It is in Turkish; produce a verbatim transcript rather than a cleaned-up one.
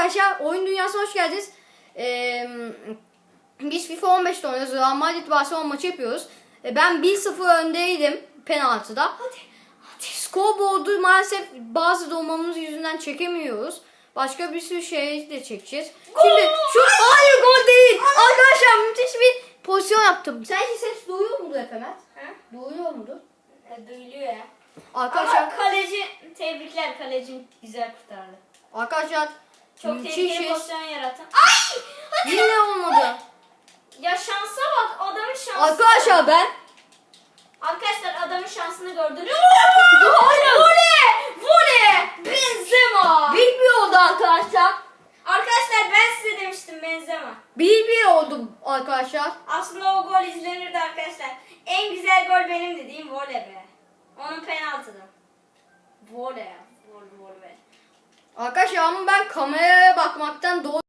arkadaşlar, oyun dünyasına hoş geldiniz. Ee, biz FIFA on beşte oynuyoruz. Real Madrid Barcelona maçı yapıyoruz. Ee, ben bir sıfır öndeydim penaltıda. Hadi. Hadi. Scoreboard'u maalesef bazı dolmamız yüzünden çekemiyoruz. Başka bir sürü şey de çekeceğiz. Gol! Şimdi şu hayır gol değil. Arkadaşlar müthiş bir pozisyon yaptım. Sence ses duyuyor mudur Efemet? He? Duyuyor mudur? E, duyuluyor ya. Arkadaşlar, Ama kaleci, tebrikler, kalecim güzel kurtardı. arkadaşlar Çok tehlikeli müthişiz. pozisyon yarattın. Ay! Hadi. Yine olmadı. Ya şansa bak, adamın şansı. Arkadaşlar ben Arkadaşlar adamın şansını gördünüz. Hayır. Vole! Vole! Benzema! bir bir oldu arkadaşlar. Arkadaşlar ben size demiştim Benzema. bir bir oldu arkadaşlar. Aslında o gol izlenirdi arkadaşlar. En güzel gol benim dediğim vole be. Onun penaltıdı. Vole ya. Vole vole. Arkadaşlar ama ben kameraya bakmaktan doğru